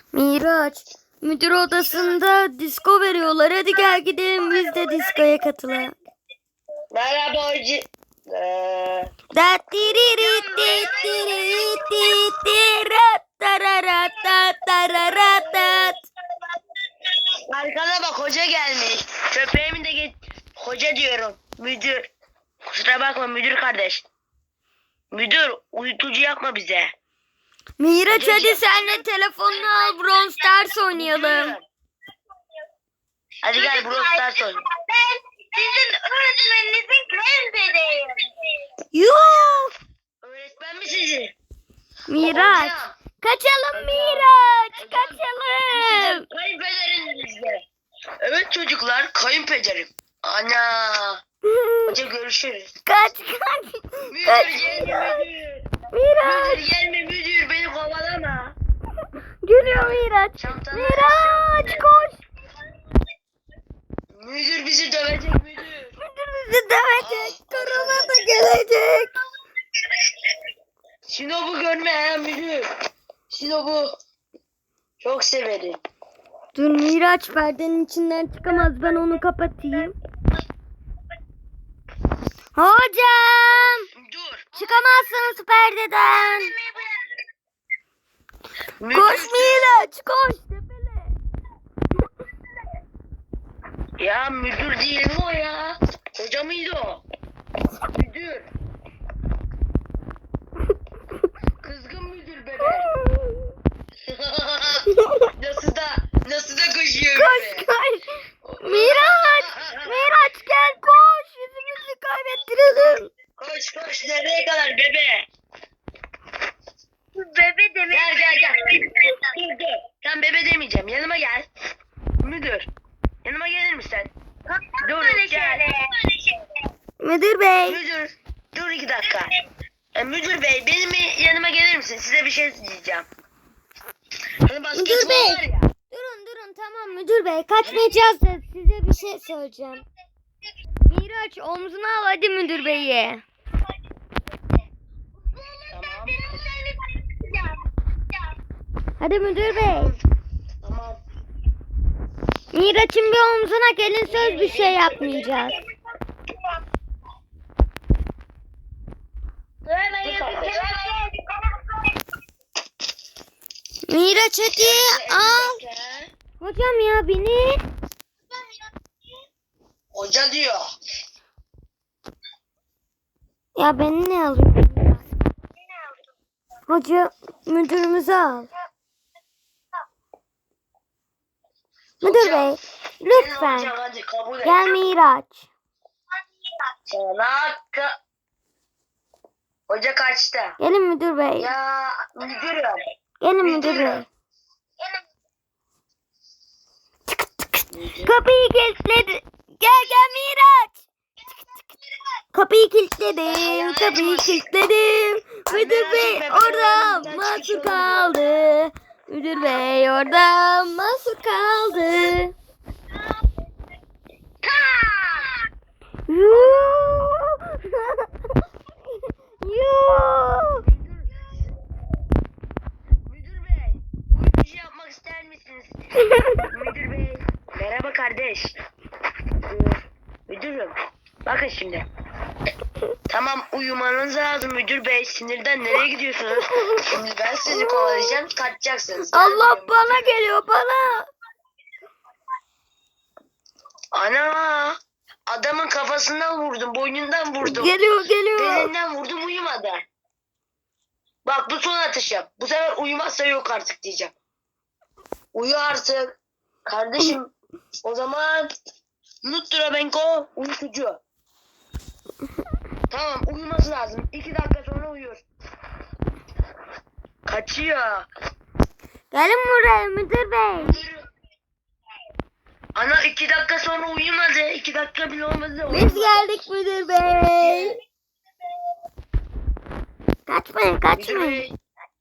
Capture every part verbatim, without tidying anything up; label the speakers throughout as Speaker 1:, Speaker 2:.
Speaker 1: Miraç, müdür odasında disko veriyorlar. Hadi gel gidelim biz de diskoya katılalım.
Speaker 2: Merhaba hoca. Ee,
Speaker 1: Dat diriri dit diriri dit dirat tararat tat tararat tat.
Speaker 2: Arkana bak hoca gelmiş. Köpeğimi de git. Hoca diyorum. Müdür. Kusura bakma müdür kardeş. Müdür uyutucu yapma bize.
Speaker 1: Miraç hadi
Speaker 2: Hocacığım.
Speaker 1: sen de telefonunu al, Brawl Stars oynayalım.
Speaker 2: Müdür. Hadi gel Brawl Stars oynayalım.
Speaker 3: Ben sizin öğretmeninizin kayınpederiyim.
Speaker 1: Yuh!
Speaker 2: Öğretmen mi sizi?
Speaker 1: Miraç,
Speaker 2: Hocam.
Speaker 1: kaçalım Miraç, kaçalım.
Speaker 2: Kayınpederinizle. Evet çocuklar kayınpederim. Ana. Hoca görüşürüz.
Speaker 1: Kaç kaç.
Speaker 2: Müdür
Speaker 1: Kaç.
Speaker 2: gelme müdür.
Speaker 1: Miraç.
Speaker 2: Müdür gelme müdür beni kovalama.
Speaker 1: Geliyor Miraç.
Speaker 2: Çantanı
Speaker 1: Miraç koş.
Speaker 2: Müdür bizi dövecek müdür.
Speaker 1: Müdür bizi dövecek. Korona da gelecek.
Speaker 2: Sinop'u görme ha müdür. Sinop'u çok severim.
Speaker 1: Dur Miraç perdenin içinden çıkamaz. Ben onu kapatayım. Hocam.
Speaker 2: Dur.
Speaker 1: Çıkamazsınız perdeden.
Speaker 2: Müdür,
Speaker 1: Koş Miraç koş. Tepele.
Speaker 2: Ya müdür değil mi o ya? Hoca mıydı o? Müdür. Kızgın müdür bebe. nasıl da nasıl da koşuyor
Speaker 1: Koş
Speaker 2: bebe.
Speaker 1: koş. Miraç. Miraç gel koş. Yüzümüzü kaybettirelim.
Speaker 2: Koş koş nereye kadar bebe?
Speaker 3: Bebe demek.
Speaker 2: Gel gel gel. Dur dur. Sen bebe demeyeceğim. Yanıma gel. Müdür. Yanıma gelir misin? Dur
Speaker 3: Böyle
Speaker 2: gel.
Speaker 3: şeyler.
Speaker 1: Müdür bey.
Speaker 2: Müdür. Dur iki dakika. E, müdür bey benim yanıma gelir misin? Size bir şey diyeceğim. Hani basketbol
Speaker 1: bey.
Speaker 2: var ya.
Speaker 1: Durun durun tamam müdür bey. Kaçmayacağız da size bir şey söyleyeceğim. Miraç omzuna al hadi müdür beyi.
Speaker 2: Tamam.
Speaker 1: Hadi müdür bey.
Speaker 2: Tamam.
Speaker 1: Miraç'ın bir omzuna gelin söz bir şey yapmayacağız. Miraç hadi al. Hocam ya beni.
Speaker 2: Hoca diyor.
Speaker 1: Ya beni ne alıyorsun? Hoca müdürümüzü al. Müdür
Speaker 2: Hocam,
Speaker 1: bey
Speaker 2: Gelin
Speaker 1: lütfen
Speaker 2: hocam hadi kabul et.
Speaker 1: gel Miraç.
Speaker 2: Sana ka- Hoca kaçtı.
Speaker 1: Gelin müdür bey.
Speaker 2: Ya müdürüm.
Speaker 1: Gelin müdür
Speaker 2: müdürüm.
Speaker 1: bey. Kapıyı kilitledi. Gel gel Miraç. Kapıyı kilitledim. Kapıyı kilitledim. Müdür bey orada mahsur kaldı. Müdür bey orada mahsur kaldı. Yuh. Yuh.
Speaker 2: Müdür bey, uyutucu yapmak ister misiniz? Müdür bey, merhaba kardeş. Ee, Müdürüm, bakın şimdi. Tamam uyumanız lazım müdür bey. Sinirden nereye gidiyorsunuz? Şimdi ben sizi kovalayacağım, kaçacaksınız.
Speaker 1: Allah
Speaker 2: Gelmiyorum.
Speaker 1: bana geliyor bana.
Speaker 2: Ana, adamın kafasından vurdum, boynundan vurdum.
Speaker 1: Geliyor geliyor.
Speaker 2: Belinden vurdum uyumadı. Bak bu son atışım. Bu sefer uyumazsa yok artık diyeceğim. Uyu artık. Kardeşim o zaman Nuttra Benko uyutucu. Tamam uyuması lazım. İki dakika sonra uyur. Kaçıyor.
Speaker 1: Gelin buraya müdür bey.
Speaker 2: Yürü. Ana iki dakika sonra uyumadı. İki dakika bile olmadı.
Speaker 1: Biz geldik müdür bey. Kaçmayın
Speaker 2: Müdür
Speaker 1: kaçmayın.
Speaker 2: bey.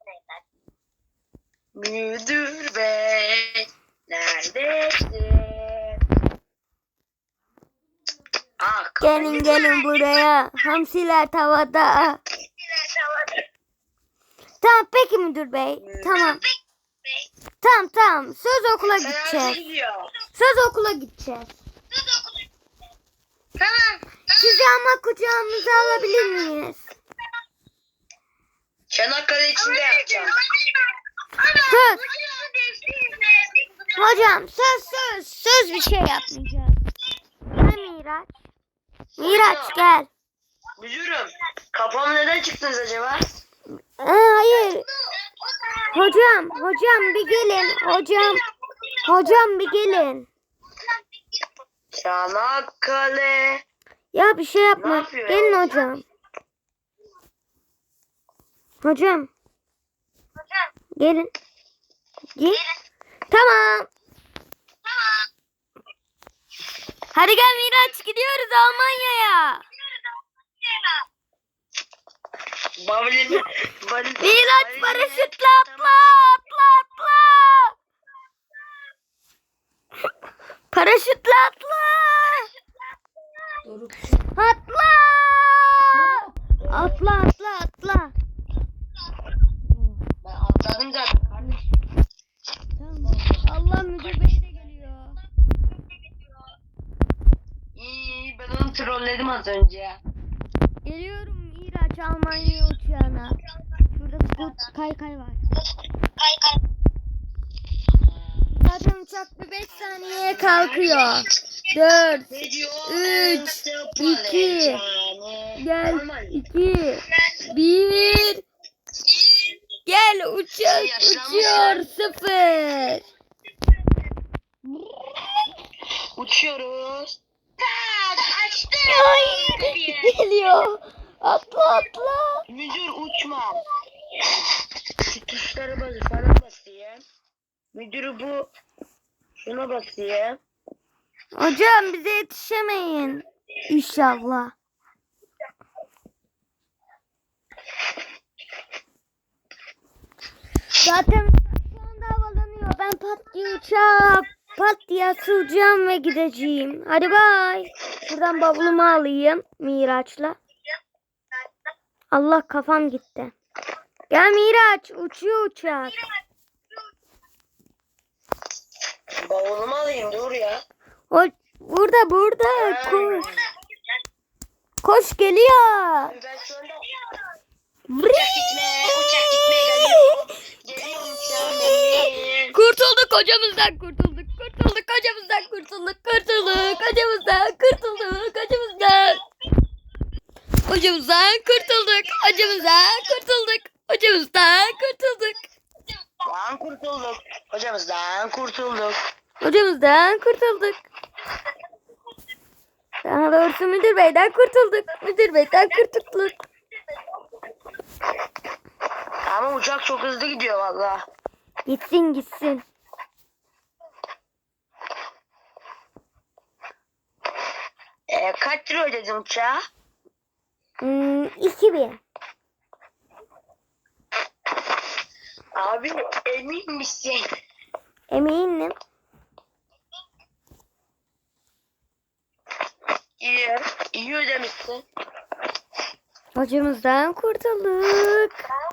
Speaker 2: Müdür bey. Neredesin? Ah,
Speaker 1: Gelin gelin buraya. Hamsiler tavada. Tamam peki müdür bey. Tamam. tamam tamam. Söz okula
Speaker 2: Sen
Speaker 1: gideceğiz.
Speaker 2: nasıl gidiyor?
Speaker 1: Söz okula gideceğiz.
Speaker 3: Tamam.
Speaker 1: Sizi ama kucağımıza alabilir miyiz?
Speaker 2: Çanakkale içinde yapacağım.
Speaker 1: Söz. Hocam söz söz. Söz bir şey yapmayacağız. Gel Miraç. Miraç gel.
Speaker 2: Müdürüm, kafam neden çıktınız acaba?
Speaker 1: Ee, hayır. Hocam, hocam bir gelin. Hocam, hocam bir gelin.
Speaker 2: Çanakkale.
Speaker 1: Ya bir şey
Speaker 2: Ne
Speaker 1: yapma.
Speaker 2: yapıyor
Speaker 1: Gelin
Speaker 2: ya?
Speaker 1: hocam. Hocam. Gelin. Gel. Tamam. Hadi gel Miraç gidiyoruz Almanya'ya.
Speaker 2: Bavulimi, bavul-
Speaker 1: Miraç
Speaker 2: bavulimi-
Speaker 1: paraşütle atla atla atla. Paraşütle atla. Atla. Atla atla atla.
Speaker 2: Ben atladım zaten kardeşim.
Speaker 1: Allah müdür bey de geliyor.
Speaker 2: İyi, ben onu trolledim az önce.
Speaker 1: Geliyorum Miraç Almanya uçağına. Şurada scoot kaykay var. Zaten uçak bir beş saniyeye kalkıyor. dört,
Speaker 2: Ne diyor?
Speaker 1: Üç,
Speaker 2: Ee,
Speaker 1: iki,
Speaker 2: yani.
Speaker 1: gel
Speaker 2: Normal.
Speaker 1: iki, bir. Gel uçak uçuyor sıfır.
Speaker 2: Uçuyoruz.
Speaker 1: Ay, geliyor. Atla atla.
Speaker 2: Müdür uçma. Şu tuşlara bas, falan basayım. Müdürü bu. Şuna basayım.
Speaker 1: Hocam bize yetişemeyin. İnşallah. Zaten şu anda havalanıyor. Ben pat diye uçağa pat diye atılacağım ve gideceğim. Hadi bay. Buradan bavulumu alayım Miraç'la. Allah kafam gitti. Gel Miraç. Uçuyor uçak.
Speaker 2: Bavulumu alayım, dur ya.
Speaker 1: O, burada burada. Koş. Koş geliyor.
Speaker 2: Ben şu anda
Speaker 1: Vrii.
Speaker 2: uçak gitme, uçak gitme geliyor. Geliyorum şu an.
Speaker 1: Kurtulduk hocamızdan kurtulduk. Kurtulduk hocamızdan kurtulduk. Kurtulduk hocamızdan kurtulduk. Hocamızdan. Hocamızdan kurtulduk. Hocamızdan kurtulduk. Hocamızdan kurtulduk.
Speaker 2: Lan kurtulduk. Hocamızdan kurtulduk.
Speaker 1: Hocamızdan kurtulduk. Daha doğrusu müdür beyden kurtulduk. Müdür beyden kurtulduk.
Speaker 2: Ama uçak çok hızlı gidiyor valla.
Speaker 1: Gitsin gitsin.
Speaker 2: Ee, kaç lira ödedin uçağa?
Speaker 1: Hmm, iki bin.
Speaker 2: Abi emin misin?
Speaker 1: Eminim.
Speaker 2: İyi, iyi ödemişsin.
Speaker 1: Hocamızdan kurtulduk.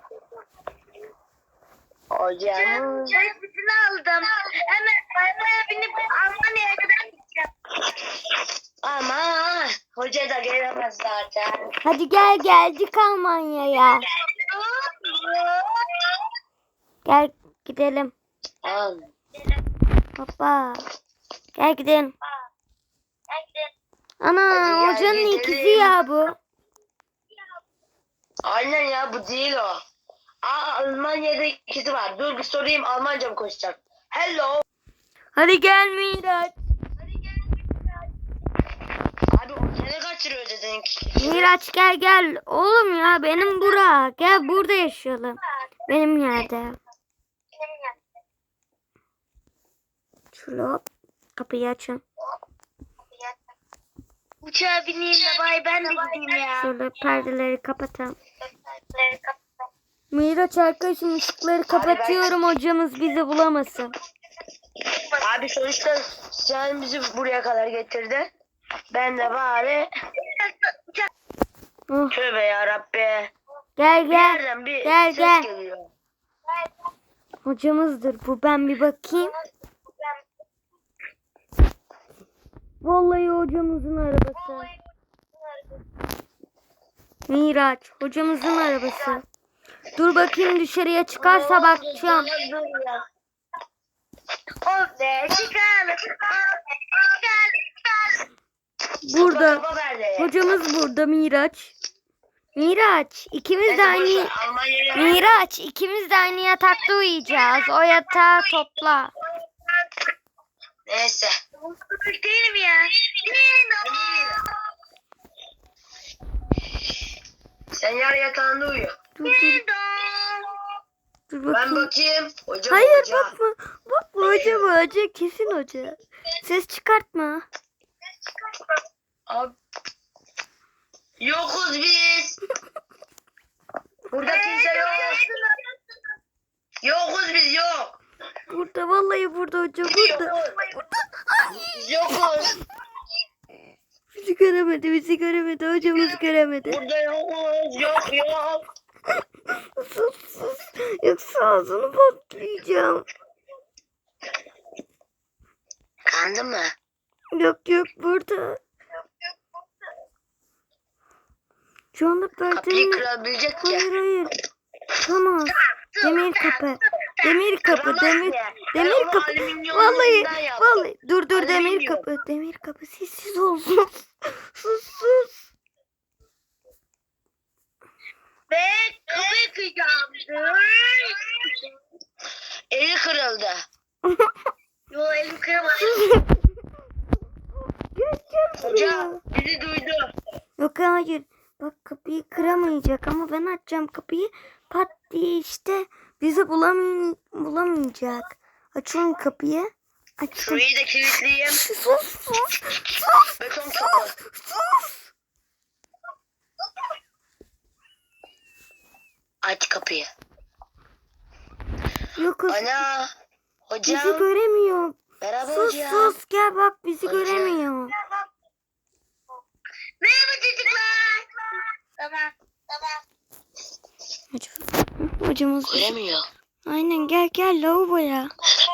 Speaker 2: Hocam.
Speaker 3: Biletini aldım. Hemen arabaya binip Almanya'ya kadar gideceğim.
Speaker 2: Ama hoca da gelemez zaten.
Speaker 1: Hadi gel geldik Almanya'ya. Gel gidelim.
Speaker 2: Al.
Speaker 1: Hoppa. Gel gidelim. Ana
Speaker 2: Hadi gel
Speaker 1: hocanın
Speaker 2: gidelim.
Speaker 1: ikizi ya bu.
Speaker 2: Aynen ya, bu değil o. Aa, Almanya'da ikisi var. Dur bir sorayım, Almanca mı konuşacak? Hello.
Speaker 1: Hadi gel Miraç.
Speaker 2: Abi o sene kaç lira ödedin?
Speaker 1: Miraç gel gel. Oğlum ya benim bura. Gel burada yaşayalım. Benim yerde. Şöyle hop. Kapıyı açın.
Speaker 3: Uçağa bineyim de bay ben de gideyim ya.
Speaker 1: Şöyle perdeleri kapatalım. Miraç arkadaşım ışıkları kapatıyorum hocamız bizi bulamasın.
Speaker 2: Abi sonuçta sen bizi buraya kadar getirdin. Ben de bari
Speaker 1: Oh,
Speaker 2: tövbe yarabbi.
Speaker 1: gel
Speaker 2: Bir
Speaker 1: gel.
Speaker 2: yerden bir
Speaker 1: Gel,
Speaker 2: ses
Speaker 1: gel.
Speaker 2: geliyor.
Speaker 1: Hocamızdır bu. Ben bir bakayım. Vallahi hocamızın arabası. Miraç. Hocamızın arabası. Dur bakayım dışarıya çıkarsa bakacağım.
Speaker 3: O be çıkalım.
Speaker 1: Burada.
Speaker 2: Kapa nerede?
Speaker 1: Hocamız burada Miraç. Miraç. ikimiz de aynı.
Speaker 2: Almanya'ya.
Speaker 1: Miraç. ikimiz de aynı yatakta uyuyacağız. O yatağı topla.
Speaker 2: Neyse.
Speaker 3: Değilim ya.
Speaker 2: Sen yar yatağında uyu.
Speaker 1: Dur dur. Dur
Speaker 2: Ben
Speaker 1: bakayım.
Speaker 2: bakayım. Hocam
Speaker 1: Hayır
Speaker 2: hoca.
Speaker 1: bakma. Bakma hoca bu hoca. Kesin hoca. Ses çıkartma.
Speaker 2: Abi. Yokuz biz. Burada kimse yok. Yokuz biz yok.
Speaker 1: Burada vallahi burada hoca burada.
Speaker 2: Biz yokuz.
Speaker 1: Bizi göremedi bizi göremedi. Hocamız göremedi.
Speaker 2: Burada yokuz. Yok yok.
Speaker 1: Sus sus. Yoksa ağzını patlayacağım.
Speaker 2: Kandı mı?
Speaker 1: Yok yok burada. Şu anda
Speaker 2: Kapıyı
Speaker 1: perdenin...
Speaker 2: kırabilecek ya.
Speaker 1: Hayır hayır. Tamam. Demir kapı. Demir kapı. Demir demir kapı. Vallahi vallahi dur dur demir
Speaker 2: Alüminyum.
Speaker 1: kapı. Demir kapı sessiz ol. Sus sus. sus.
Speaker 3: Ve kapıyı kıyacağım.
Speaker 2: Eli kırıldı.
Speaker 3: Yo elim kıramadı.
Speaker 1: Gel gel
Speaker 2: Hoca
Speaker 1: buraya.
Speaker 2: bizi duydu.
Speaker 1: Yok hayır. Bak kapıyı kıramayacak ama ben açacağım kapıyı. Pat diye işte bizi bulamay bulamayacak. Açıyorum kapıyı. Açtım.
Speaker 2: Şurayı da kilitleyeyim.
Speaker 1: Sus sus sus.
Speaker 2: Beton kapı.
Speaker 1: Sus.
Speaker 2: Aç kapıyı.
Speaker 1: Yok kız.
Speaker 2: Ana.
Speaker 1: Bizi
Speaker 2: Hocam.
Speaker 1: göremiyor.
Speaker 2: Merhaba
Speaker 1: Sus
Speaker 2: hocam.
Speaker 1: sus gel bak bizi
Speaker 2: Hocam.
Speaker 1: göremiyor.
Speaker 3: Merhaba çocuklar. Tamam. Tamam.
Speaker 1: Hocam, hocamız
Speaker 2: Göremiyor.
Speaker 1: aynen gel gel lavaboya.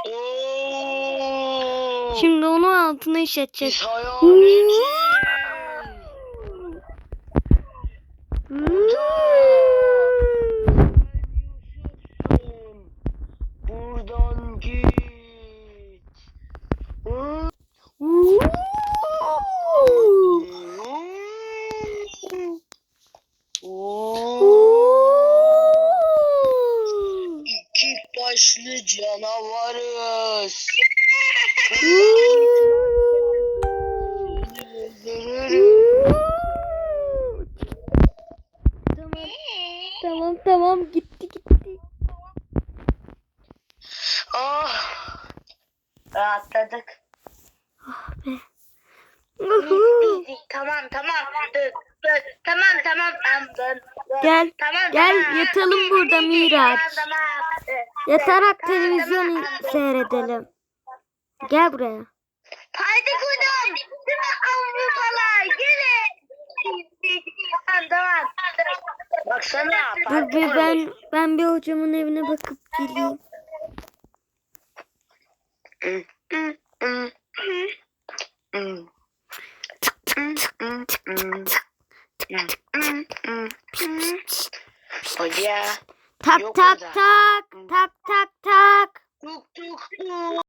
Speaker 2: Oo.
Speaker 1: Şimdi onun altına işleteceğiz.
Speaker 2: Biz hayaleti. Buradan git. İki başlı canavarız.
Speaker 1: Tamam. Tamam tamam gitti gitti.
Speaker 2: Oh. Rahatladık.
Speaker 1: Uhu.
Speaker 3: Tamam tamam. Dur, dur. Tamam tamam. Tamam. Dur.
Speaker 1: Gel
Speaker 3: Tamam,
Speaker 1: gel
Speaker 3: tamam.
Speaker 1: yatalım burada Miraç.
Speaker 3: Tamam tamam.
Speaker 1: Yatarak
Speaker 3: Tamam,
Speaker 1: televizyon
Speaker 3: tamam.
Speaker 1: seyredelim. Gel buraya.
Speaker 3: Haydi kudum. Değil mi Avrupalar? Gelin. Tamam tamam.
Speaker 2: Baksana.
Speaker 1: Dur bir ben ben bir hocamın evine bakıp geleyim.
Speaker 2: Hoca.
Speaker 1: Tak
Speaker 2: Yok
Speaker 1: tak
Speaker 2: orada.
Speaker 1: tak tak tak tak.
Speaker 2: Tuk tuk tuk.